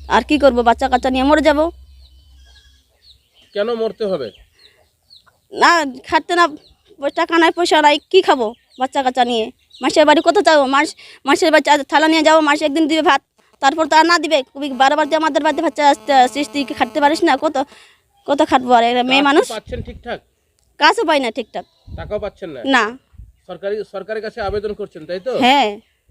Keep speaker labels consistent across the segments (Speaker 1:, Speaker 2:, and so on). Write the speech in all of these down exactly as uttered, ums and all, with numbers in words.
Speaker 1: আর কি করব, বাচ্চা কাচ্চা নিয়ে মরে যাব।
Speaker 2: কেন মরতে হবে?
Speaker 1: না খাটতে না, টাকা নাই পয়সা নাই, কি খাবো বাচ্চা কাচ্চা নিয়ে? মাসের বাড়ি কত যাবো? মাস মাসের বাড়ি থালা নিয়ে যাবো, মাসে একদিন দিবে ভাত, তারপর তো আর না দিবে। খুবই বারবার যে আমাদের বাড়িতে বাচ্চা আসতে সৃষ্টি খাটতে পারিস না, কত কত খাটবো? আর মেয়ে মানুষ
Speaker 2: পাচ্ছেন ঠিকঠাক?
Speaker 1: কাজও পাই না ঠিকঠাক।
Speaker 2: টাকাও পাচ্ছেন না?
Speaker 1: না।
Speaker 2: সরকারি সরকারের কাছে আবেদন করছেন, তাই তো?
Speaker 1: হ্যাঁ।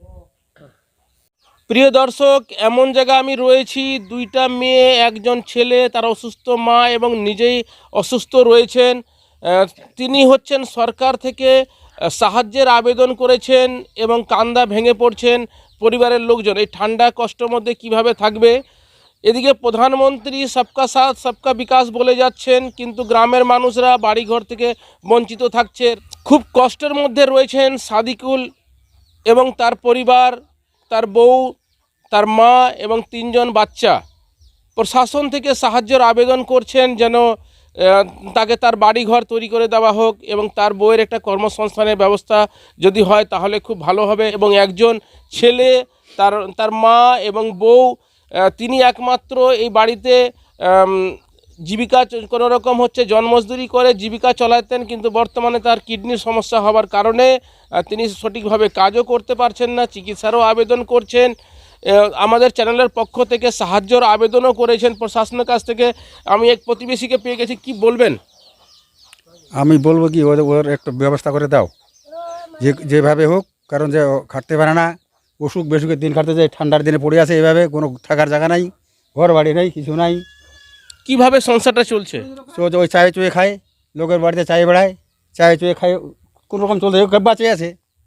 Speaker 2: প্রিয় দর্শক, এমন জায়গা আমি রয়েছি, দুইটা মেয়ে একজন ছেলে, তার অসুস্থ মা এবং নিজেই অসুস্থ রয়েছেন। তিনি হচ্ছেন সরকার থেকে সাহায্যের আবেদন করেছেন এবং কান্দা ভেঙে পড়ছেন পরিবারের লোকজন। এই ঠান্ডা কষ্টের মধ্যে কিভাবে থাকবে? এদিকে প্রধানমন্ত্রী সবকা সাথ সবকা বিকাশ বলে যাচ্ছেন, কিন্তু গ্রামের মানুষরা বাড়িঘর থেকে বঞ্চিত থাকছে। খুব কষ্টের মধ্যে রয়েছেন সাদিকুল এবং তার পরিবার, তার বউ, তার মা এবং তিনজন বাচ্চা। প্রশাসন থেকে সাহায্যের আবেদন করছেন যেন তাকে তার বাড়িঘর তৈরি করে দেওয়া হোক এবং তার বউয়ের একটা কর্মসংস্থানের ব্যবস্থা যদি হয় তাহলে খুব ভালো হবে। এবং একজন ছেলে, তার তার মা এবং বউ, তিনি একমাত্র এই বাড়িতে জীবিকা কোনো রকম হচ্ছে জন্মজদুরি করে জীবিকা চালাতেন, কিন্তু বর্তমানে তার কিডনির সমস্যা হওয়ার কারণে তিনি সঠিকভাবে কাজও করতে পারছেন না, চিকিৎসারও আবেদন করছেন। আমাদের চ্যানেলের পক্ষ থেকে সাহায্যের আবেদনও করেছেন প্রশাসনের কাছ থেকে। আমি এক প্রতিবেশীকে পেয়ে গেছি, কি বলবেন?
Speaker 3: আমি বলবো কি ওদের ওর একটু ব্যবস্থা করে দাও, যে যেভাবে হোক, কারণ যে খাটতে পারে না, অসুখ বেসুখের দিন কাটতে যায়, ঠান্ডার দিনে পড়ে আছে, এভাবে কোনো থাকার জায়গা নাই, ঘর বাড়ি নেই, কিছু নাই।
Speaker 2: কিভাবে সংসারটা চলছে?
Speaker 3: ওই চায়ে চুয়ে খায়, লোকের বাড়িতে চায়ে বেড়ায়, চায়ে চুয়ে খায়, কোনো রকম চলতে বাঁচে আছে।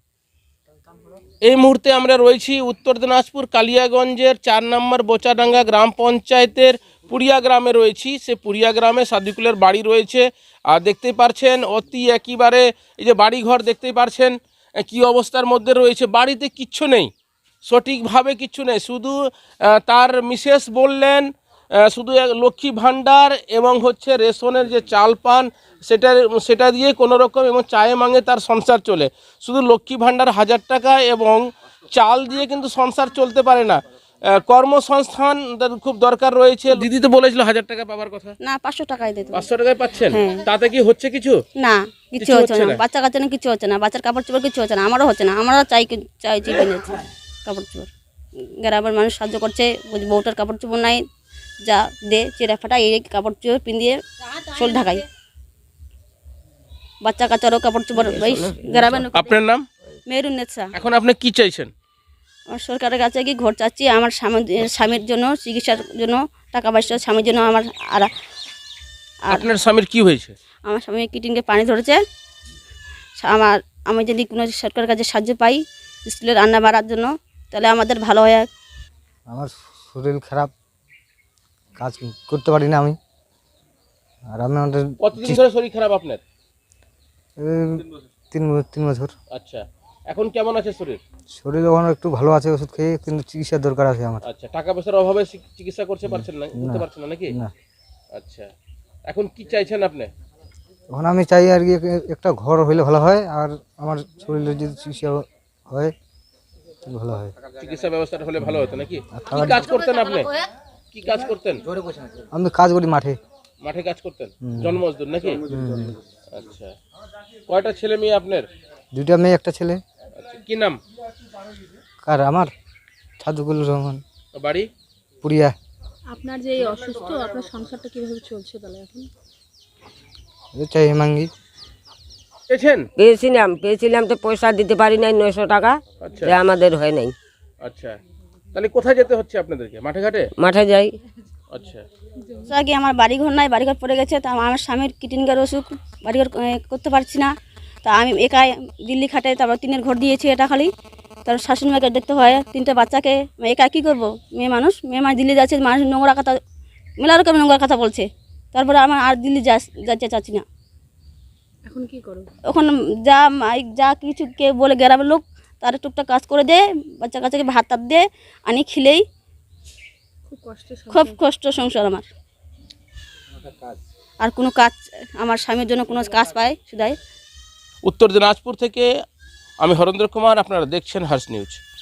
Speaker 2: এই মুহূর্তে আমরা রয়েছি উত্তর দিনাজপুর কালিয়াগঞ্জের চার নম্বর বোচাডাঙ্গা গ্রাম পঞ্চায়েতের পুরিয়া গ্রামে রয়েছি। সে পুরিয়া গ্রামে সাদিকুলের বাড়ি রয়েছে। আর দেখতেই পারছেন অতি একেবারে এই যে বাড়িঘর দেখতেই পারছেন কি অবস্থার মধ্যে রয়েছে। বাড়িতে কিচ্ছু নেই, সঠিকভাবে কিচ্ছু নেই। শুধু তার মিসেস বললেন শুধু লক্ষ্মী ভাণ্ডার এবং হচ্ছে রেশনের যে চাল পান সেটা সেটা দিয়ে কোনো রকম এবং চায়ে মাঙে তার সংসার চলে। শুধু লক্ষ্মী ভাণ্ডার হাজার টাকা এবং চাল দিয়ে কিন্তু সংসার চলতে পারে না। কর্মসংস্থান খুব দরকার রয়েছে। দিদি তো বলেছিল হাজার টাকা পাওয়ার কথা।
Speaker 1: না, পাঁচশো টাকাই দিতে।
Speaker 2: পাঁচশো টাকায় পাচ্ছেন? তাতে কি হচ্ছে কিছু?
Speaker 1: না, কিছু হচ্ছে না। বাচ্চা কাচ্চা না, কিছু হচ্ছে না। বাচ্চার কাপড় চোপড় কিছু হচ্ছে না, আমারও হচ্ছে না। আমরা চাই চাইছি কিনেছি কাপড় চোপড়। গ্রামের মানুষ সাহায্য করছে, বউটার কাপড় চোপড় নাই, যা দে চেরা ফাটা এই কাপড় চোপড় পিন্দিয়ে শোল ঢাকাই, বাচ্চা কাচ্চারও কাপড় চোপড়। গ্রামের।
Speaker 2: আপনার নাম?
Speaker 1: মেহরুন্নেছা।
Speaker 2: এখন আপনি কি চাইছেন?
Speaker 1: আমার সরকারের কাছে কি ঘর চাচ্ছি, আমার স্বামী স্বামীর জন্য চিকিৎসার জন্য টাকা পয়সা, স্বামীর জন্য আমার। আর
Speaker 2: আপনার স্বামীর কি হয়েছে?
Speaker 1: আমার স্বামী কিডনিতে পানি ধরেছে। আমার আমি যদি কোনো সরকারের কাছে সাহায্য পাই স্কুলে রান্না বাড়ার জন্য, তাহলে আমাদের ভালো হয়।
Speaker 4: আমার শরীর খারাপ, কাজ করতে পারি না আমি। আর আমি আমাদের
Speaker 2: কতদিন ধরে শরীর খারাপ আপনার?
Speaker 4: তিন তিন বছর।
Speaker 2: আচ্ছা, এখন কেমন আছে শরীর?
Speaker 4: শরীর ওখানে একটু ভালো আছে, ওষুধ খেয়ে, কিন্তু চিকিৎসার দরকার আছে আমার।
Speaker 2: আচ্ছা, টাকা পয়সার অভাবে চিকিৎসা করতে পারছেন না, করতে পারছেন না নাকি?
Speaker 4: না।
Speaker 2: আচ্ছা, এখন কি চাইছেন আপনি?
Speaker 4: এখন আমি চাই আর কি একটা ঘর হইলে ভালো হয়, আর আমার শরীরের যদি চিকিৎসা হয় ভালো হয়।
Speaker 2: চিকিৎসা ব্যবস্থাটা হলে ভালো হতো নাকি? কি কাজ করতেন আপনি? কি কাজ করতেন?
Speaker 4: আমি কাজ করি মাঠে।
Speaker 2: মাঠে কাজ করতেন, জন্মজদুর নাকি? আচ্ছা, কয়টা ছেলে মেয়ে আপনার?
Speaker 4: দুইটা মেয়ে, একটা ছেলে।
Speaker 2: আচ্ছা, কি নাম?
Speaker 4: কার? আমার সাদিকুল রহমান।
Speaker 2: বাড়ি?
Speaker 4: পুরিয়া।
Speaker 5: আপনার যে অসুস্থ, আপনার সংসারটা কিভাবে চলছে তাহলে এখন?
Speaker 4: চাই মাঙ্গি
Speaker 2: পেয়েছেন?
Speaker 6: পেয়েছিলাম পেয়েছিলাম তো পয়সা দিতে পারি নাই, নয়শো টাকা।
Speaker 2: আচ্ছা,
Speaker 6: আমাদের হয় নাই।
Speaker 2: আচ্ছা, তাহলে কোথায় যেতে হচ্ছে আপনাদেরকে? মাঠে ঘাটে?
Speaker 6: মাঠে যাই।
Speaker 2: আচ্ছা,
Speaker 1: আগে আমার বাড়িঘর নাই, বাড়িঘর পড়ে গেছে। তা আমার স্বামীর কিডনির অসুখ, বাড়িঘর করতে পারছি না। তা আমি একাই দিল্লি খাটে, তারপর টিনের ঘর দিয়েছি এটা খালি। তারপর শাশুড়ি মাকে দেখতে হয়, তিনটা বাচ্চাকে একা কী করবো? মেয়ে মানুষ, মেয়ে মানুষ দিল্লি যাচ্ছে, মানুষ নোংরা কথা, মেলা রকম নোংরা কথা বলছে। তারপরে আমার আর দিল্লি যা যাচ্ছে চাচ্ছি না।
Speaker 5: এখন কি করো?
Speaker 1: ওখানে যা যা কিছু কে বলে গ্রামের লোক, তার টুকটাক কাজ করে দে, বাচ্চা কাচ্চাকে ভাত টাত দে, আনি খিলেই।
Speaker 5: খুব কষ্ট,
Speaker 1: খুব কষ্ট সংসার আমার। আর কোনো কাজ আমার স্বামীর জন্য কোনো কাজ পায় শুধাই।
Speaker 2: উত্তর দিনাজপুর থেকে আমি হরেন্দ্র কুমার, আপনারা দেখছেন হার্স নিউজ।